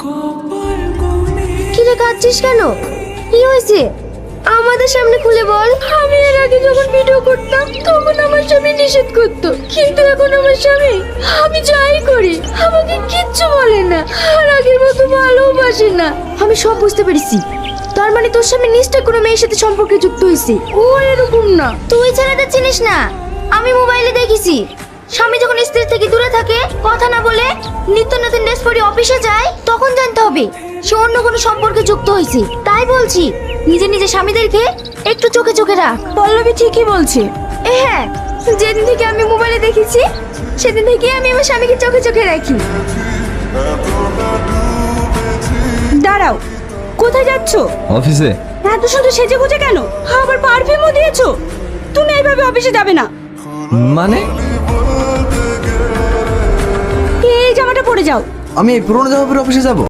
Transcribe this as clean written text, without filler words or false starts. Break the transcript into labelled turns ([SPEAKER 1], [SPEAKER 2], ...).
[SPEAKER 1] কি রে, কাঁদছিস কেন? কি হয়েছে? আমাদের সামনে খুলে বল। আমি এর আগে যখন ভিডিও করতাম তখন আমার স্বামী নিষেধ করতো, কিন্তু এখন আমার স্বামী আমি যাই করি আমাকে কিচ্ছু বলে না, আর আগের মতো ভালোবাসে না। আমি সব বুঝতে পেরেছি। তার মানে তোর স্বামী নিশ্চয় কোনো মেয়ের সাথে সম্পর্কে যুক্ত হয়েছে। ও এরকম না। তুই ছেলেটা চিনিস না? আমি মোবাইলে দেখেছি, স্বামী যখন স্ত্রী থেকে দূরে থাকে, কথা না বলে নিত্য নতুন ড্রেস পরে অফিসে যায়, তখন জানতে হবে সে অন্য কোনো সম্পর্কে যুক্ত হয়েছে। তাই বলছি, নিজে নিজে স্বামীদেরকে একটু চোখে চোখে রাখ।
[SPEAKER 2] পল্লবী ঠিকই বলছে।
[SPEAKER 1] হ্যাঁ, যেদিন থেকে আমি মোবাইলে দেখেছি সেদিন থেকে আমি আমার স্বামীকে চোখে চোখে রাখি।
[SPEAKER 2] দাঁড়াও, কোথায় যাচ্ছ?
[SPEAKER 3] অফিসে।
[SPEAKER 2] এত সুন্দর সেজে গুজে কেন? আবার পারফিউমও দিয়েছো। তুমি এইভাবে অফিসে যাবে না।
[SPEAKER 3] মানে
[SPEAKER 2] এই জামাটা পরে যাও।
[SPEAKER 3] আমি এই পুরোনো জামা পরে অফিসে যাব?